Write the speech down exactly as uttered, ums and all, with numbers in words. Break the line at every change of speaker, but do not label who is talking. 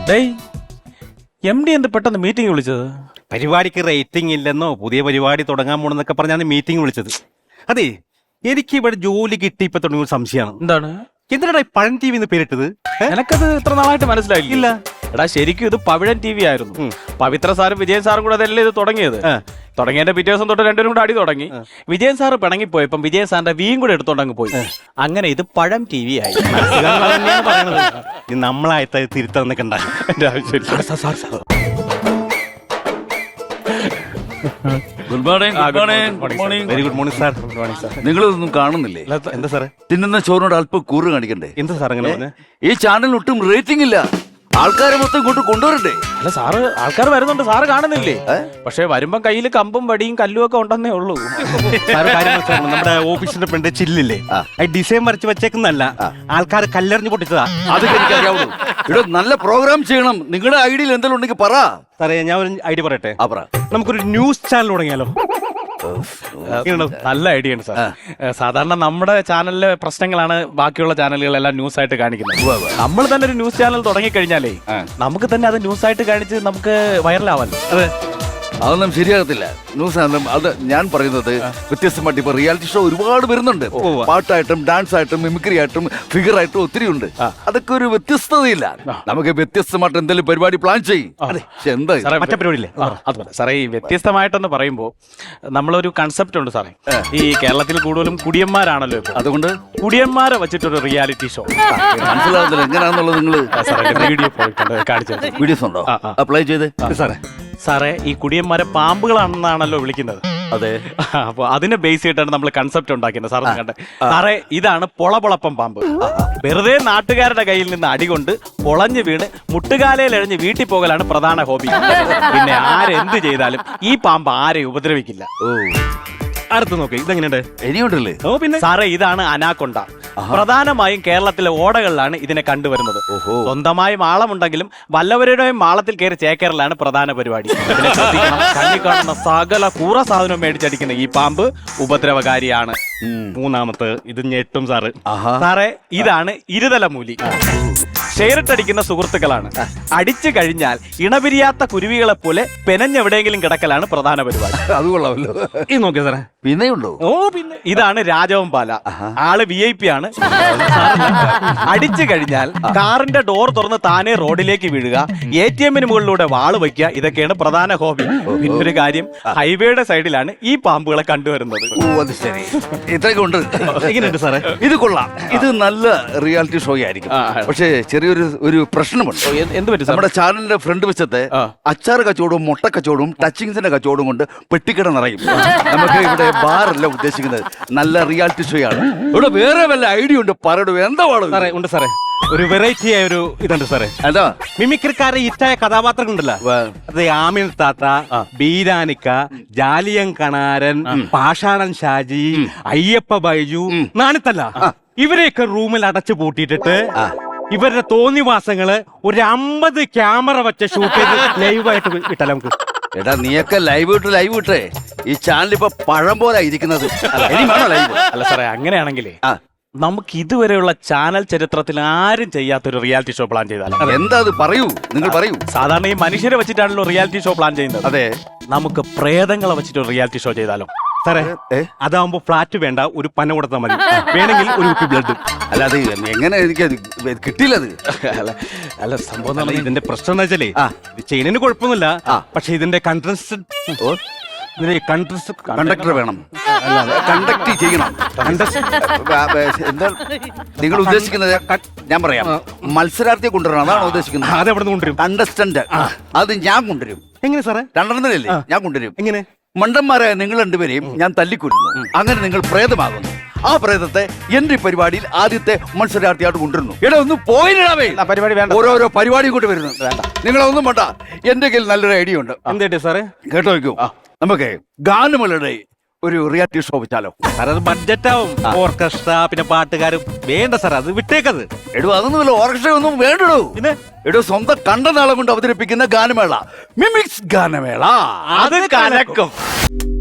ഡേയ് M D എന്ത് പെട്ടെന്ന് meeting വിളിച്ചത്?
പരിപാടിക്ക് റേറ്റിംഗ് ഇല്ലെന്നോ പുതിയ പരിപാടി തുടങ്ങാൻ പോണെന്നൊക്കെ പറഞ്ഞാണ് മീറ്റിംഗ് വിളിച്ചത്. അതെ, എനിക്ക് ഇവിടെ ജോലി കിട്ടി ഇപ്പൊ തുടങ്ങിയ സംശയമാണ്.
എന്താണ്?
എന്തിനാ പഴം ടി വി എന്ന് പേരിട്ടത്?
എനക്കത് ഇത്ര നാളായിട്ട് മനസ്സിലായില്ല. എടാ ശരിക്കും ഇത് പവിഴൻ ടി വി ആയിരുന്നു. പവിത്ര സാറും വിജയൻ സാറും കൂടെ അതല്ലേ ഇത് തുടങ്ങിയത്. തുടങ്ങിയതിന്റെ പിറ്റേ ദിവസം തൊട്ട് രണ്ടുപേരും കൂടെ അടി തുടങ്ങി. വിജയൻ സാറ് പിണങ്ങിപ്പോയപ്പം വിജയൻ സാറിന്റെ വീയും കൂടെ എടുത്തോണ്ടങ്ങ് പോയി. അങ്ങനെ ഇത് പഴം ടി വി ആയി.
നമ്മളായിട്ട് തിരുത്താന്നൊക്കെ ഉണ്ടാകും.
എന്റെ ആവശ്യമില്ല.
Good morning. Good morning. Good morning.
Very good morning sir. Good morning sir.
നിങ്ങളിതൊന്നും കാണുന്നില്ലേ?
എന്താ സാറേ?
തിന്നുന്ന ചോറിനോട് അല്പം കൂറ് കാണിക്കണ്ടേ?
എന്താ സാർ അങ്ങനെ പറഞ്ഞ?
ഈ ചാനലിന് ഒട്ടും റേറ്റിംഗ് ഇല്ല. ആൾക്കാരെ മൊത്തം ഇങ്ങോട്ട് കൊണ്ടുവരണ്ടേ?
അല്ല സാറ്, ആൾക്കാർ വരുന്നുണ്ട്, സാറ് കാണുന്നില്ലേ? പക്ഷെ വരുമ്പം കയ്യിൽ കമ്പും വടിയും കല്ലും ഒക്കെ ഉണ്ടെന്നേ ഉള്ളൂ.
സാറ് കാര്യം മനസ്സിലാക്കണം, നമ്മുടെ ഓഫീസിന്റെ ഫ്രണ്ട് ചില്ലില്ലേ, ഡിസൈൻ വരച്ച് വെച്ചേക്കുന്നല്ല, ആൾക്കാർ കല്ലെറിഞ്ഞ് പൊട്ടിച്ചതാ.
അതൊക്കെ എനിക്കറിയാവുള്ളൂ. ഇവിടെ നല്ല പ്രോഗ്രാം ചെയ്യണം. നിങ്ങളുടെ ഐഡിയയിൽ എന്തെങ്കിലും ഉണ്ടെങ്കിൽ പറ.
സാറേ ഞാൻ ഒരു ഐഡിയ പറയട്ടെ.
ആ പറ.
നമുക്കൊരു ന്യൂസ് ചാനൽ തുടങ്ങിയാലോ?
നല്ല ഐഡിയ ആണ് സാർ. സാധാരണ നമ്മുടെ ചാനലിലെ പ്രശ്നങ്ങളാണ് ബാക്കിയുള്ള ചാനലുകളെല്ലാം ന്യൂസ് ആയിട്ട് കാണിക്കുന്നത്. നമ്മൾ തന്നെ ഒരു ന്യൂസ് ചാനൽ തുടങ്ങിക്കഴിഞ്ഞാലേ നമുക്ക് തന്നെ അത് ന്യൂസ് ആയിട്ട് കാണിച്ച് നമുക്ക് വൈറലാവാലോ.
അതെ,
അതൊന്നും ശരിയാകത്തില്ല. ന്യൂസ് അത് ഞാൻ പറയുന്നത് വ്യത്യസ്തമായിട്ട് ഇപ്പൊ റിയാലിറ്റി ഷോ ഒരുപാട് വരുന്നുണ്ട്. പാട്ടായിട്ടും ഡാൻസ് ആയിട്ടും മിമിക്രി ആയിട്ടും ഫിഗർ ആയിട്ടും ഒത്തിരി ഉണ്ട്. അതൊക്കെ ഒരു വ്യത്യസ്തതയില്ല. നമുക്ക് വ്യത്യസ്തമായിട്ട് എന്തെങ്കിലും പരിപാടി പ്ലാൻ ചെയ്യും. എന്താ
മറ്റേ പരിപാടിയില്ലേ?
അതുപോലെ സാറേ, ഈ വ്യത്യസ്തമായിട്ടെന്ന് പറയുമ്പോൾ നമ്മളൊരു കൺസെപ്റ്റ് ഉണ്ട് സാറേ. ഈ കേരളത്തിൽ കൂടുതലും കുടിയന്മാരാണല്ലോ.
അതുകൊണ്ട്
കുടിയന്മാരെ വെച്ചിട്ടൊരു റിയാലിറ്റി ഷോ.
മനസ്സിലാവുന്നില്ല എങ്ങനെയാണെന്നുള്ളത്. നിങ്ങൾ
വീഡിയോ കാണിച്ചു
വീഡിയോസ് ഉണ്ടോ? അപ്ലൈ ചെയ്ത്
സാറേ. സാറേ, ഈ കുടിയന്മാരെ പാമ്പുകളാണെന്നാണല്ലോ വിളിക്കുന്നത്.
അതെ.
അപ്പൊ അതിനെ ബേസ് ചെയ്തിട്ടാണ് നമ്മൾ കൺസെപ്റ്റ് ഉണ്ടാക്കിയത്. സാറ് കണ്ടേ സാറേ, ഇതാണ് പൊളപൊളപ്പം പാമ്പ്. വെറുതെ നാട്ടുകാരുടെ കയ്യിൽ നിന്ന് അടികൊണ്ട് പൊളഞ്ഞു വീണ് മുട്ടുകാലയിൽ എഴഞ്ഞ് വീട്ടിൽ പോകലാണ് പ്രധാന ഹോബി. പിന്നെ ആരെന്ത് ചെയ്താലും ഈ പാമ്പ് ആരെയും ഉപദ്രവിക്കില്ല.
ഓ,
അടുത്ത് നോക്കി ഇതെങ്ങനെയുണ്ട്?
ഇനിയുണ്ടല്ലേ?
ഓ പിന്നെ
സാറേ, ഇതാണ് അനാക്കൊണ്ട. പ്രധാനമായും കേരളത്തിലെ ഓടകളിലാണ് ഇതിനെ കണ്ടുവരുന്നത്. സ്വന്തമായി മാളമുണ്ടെങ്കിലും വല്ലവരുടെയും മാളത്തിൽ കയറി ചേക്കേറലാണ് പ്രധാന പരിപാടി. കണ്ണി കാണുന്ന സകല കൂറ സാധനവും മേടിച്ചടിക്കുന്ന ഈ പാമ്പ് ഉപദ്രവകാരിയാണ്.
മൂന്നാമത്തെ ഇത് ഞെട്ടും സാറ്.
സാറേ, ഇതാണ് ഇരുതലമൂലി. ഷെയറിട്ടടിക്കുന്ന സുഹൃത്തുക്കളാണ്. അടിച്ചു കഴിഞ്ഞാൽ ഇണപിരിയാത്ത കുരുവികളെ പോലെ പെനഞ്ഞെവിടെയെങ്കിലും കിടക്കലാണ് പ്രധാന പരിപാടി.
അത് കൊള്ളാമല്ലോ.
ഇത് നോക്കിയ സാറേ,
പിന്നെയുണ്ടോ?
ഓ പിന്നെ ഇതാണ് രാജവൻ പാല. ആള് വി ഐ പി ആണ്. അടിച്ചു കഴിഞ്ഞാൽ കാറിന്റെ ഡോർ തുറന്ന് താനെ റോഡിലേക്ക് വീഴുക, എ ടി എമ്മിന് മുകളിലൂടെ വാള് വയ്ക്കുക, ഇതൊക്കെയാണ് പ്രധാന ഹോബി. പിന്നൊരു കാര്യം, ഹൈവേയുടെ സൈഡിലാണ് ഈ പാമ്പുകളെ കണ്ടുവരുന്നത്.
ഓ, അത് ശരി. ഇത്രയൊക്കെ ഉണ്ട്.
എങ്ങനെയുണ്ട് സാറേ?
ഇത് കൊള്ളാം. ഇത് നല്ല റിയാലിറ്റി ഷോ ആയിരിക്കും. പക്ഷേ ചെറിയൊരു ഒരു പ്രശ്നമുണ്ട്.
എന്ത് പറ്റും?
നമ്മുടെ ചാനലിന്റെ ഫ്രണ്ട് വശത്തെ അച്ചാർ കച്ചവടവും മുട്ട കച്ചവടവും ടച്ചിങ്സിന്റെ കച്ചവടവും കൊണ്ട് പെട്ടിക്കട നിറയും. നമുക്ക് ഇവിടെ ബാറല്ല ഉദ്ദേശിക്കുന്നത്, നല്ല റിയാലിറ്റി ഷോ ആണ്. ഇവിടെ വേറെ വല്ല ഐഡിയ ഉണ്ട്, പറയൂ. എന്താ പാടും
സാറേ? ഉണ്ട് സാറേ, ഒരു വെറൈറ്റി ആയ ഒരു ഇതുണ്ട് സാറേ.
എന്താ?
മിമിക്രിക്കാരെ ഇറ്റായ കഥാപാത്രങ്ങൾ ഉണ്ടല്ലോ. അത് ആമിൻ താത്ത, ബീരാനിക്ക, ജാലിയൻ കണാരൻ, പാഷാണൻ ഷാജി, അയ്യപ്പ ബൈജു, നാണിത്തല്ല, ഇവരെയൊക്കെ റൂമിൽ അടച്ചു പൂട്ടിയിട്ടിട്ട് ഇവരുടെ തോന്നിവാസങ്ങള് ഒരു അമ്പത് ക്യാമറ വെച്ച് ഷൂട്ട് ചെയ്ത് ലൈവായിട്ട് വിട്ടാലോ നമുക്ക്?
എടാ, നീയൊക്കെ ലൈവ് ഇട്ട് ലൈവ് ഇട്ടേ. ഈ ചാനൽ ഇപ്പൊ പഴം പോലെ ഇരിക്കുന്നത്. ഇനി വേണോ ലൈവ്?
അല്ല സാറേ, അങ്ങനെയാണെങ്കിലേ നമുക്ക് ഇതുവരെയുള്ള ചാനൽ ചരിത്രത്തിൽ ആരും ചെയ്യാത്തൊരു റിയാലിറ്റി ഷോ പ്ലാൻ ചെയ്താലോ?
എന്താ അത്? പറയൂ, നിങ്ങൾ പറയൂ.
സാധാരണ ഈ മനുഷ്യരെ വെച്ചിട്ടാണല്ലോ റിയാലിറ്റി ഷോ പ്ലാൻ ചെയ്യുന്നത്.
അതെ.
നമുക്ക് പ്രേതങ്ങളെ വെച്ചിട്ട് ഒരു റിയാലിറ്റി ഷോ ചെയ്താലോ?
സാറേ, അതാവുമ്പോ ഫ്ലാറ്റ് വേണ്ട, ഒരു പന കൊടുത്താൽ മതി, വേണമെങ്കിൽ ഒരു കുപ്പി ബ്ലഡ്.
അല്ല, അത് എങ്ങനെ എനിക്ക് കിട്ടിയില്ലത്?
അല്ല, സംഭവം
ഇതിന്റെ പ്രശ്നം എന്താ വെച്ചാലേ, ഇത് ചെയ്യുന്നതിന് കുഴപ്പമൊന്നുമില്ല. പക്ഷെ ഇതിന്റെ കണ്ടസ്റ്റന്റ്
കണ്ടക്ടർ വേണം, കണ്ടക്ട് ചെയ്യണം. എന്താ നിങ്ങൾ ഉദ്ദേശിക്കുന്നത്? ഞാൻ പറയാം, മത്സരാർത്ഥിയെ കൊണ്ടുവരണം, അതാണ് ഉദ്ദേശിക്കുന്നത്.
അത് എവിടെ നിന്ന് കൊണ്ടുവരും?
കണ്ടസ്റ്റന്റ്. അത് ഞാൻ കൊണ്ടുവരും.
എങ്ങനെ സാറേ?
രണ്ടെണ്ണത്തിലല്ലേ ഞാൻ കൊണ്ടുവരും.
എങ്ങനെ?
മണ്ടന്മാരായ നിങ്ങൾ രണ്ടുപേരെയും ഞാൻ തല്ലിക്കൊല്ലുന്നു. അങ്ങനെ നിങ്ങൾ പ്രേതമാകുന്നു. ആ പ്രേതത്തെ എന്റെ പരിപാടിയിൽ ആദ്യത്തെ മത്സരാർത്ഥിയായിട്ട് കൊണ്ടുവരുന്നു. എടാ, ഒന്ന് പോയിടാവേ.
പരിപാടി വേണ്ട,
ഓരോരോ പരിപാടിയും കൊണ്ട് വരുന്നു. വേണ്ട, നിങ്ങളൊന്നും വേണ്ട. എന്റെ കയ്യിൽ നല്ലൊരു ഐഡിയ ഉണ്ട്.
എന്തേട്ടെ സാറേ?
കേട്ടോ വയ്ക്കൂ. നമുക്ക് ഗാനമേളയുടെ ഒരു റിയാലിറ്റി ഷോ വെച്ചാലോ?
സാർ, അത് ബഡ്ജറ്റ് ആവും. ഓർക്കസ്ട്ര, പിന്നെ പാട്ടുകാരും വേണ്ട സാർ, അത് വിട്ടേക്കത്.
എടോ, അതൊന്നുമല്ല, ഓർക്കസ്ട്ര ഒന്നും വേണ്ടടോ. പിന്നെ എടോ, സ്വന്തം കണ്ട നാളം കൊണ്ട് അവതരിപ്പിക്കുന്ന ഗാനമേള, മിമിക്സ് ഗാനമേള.
അത് കലക്കും.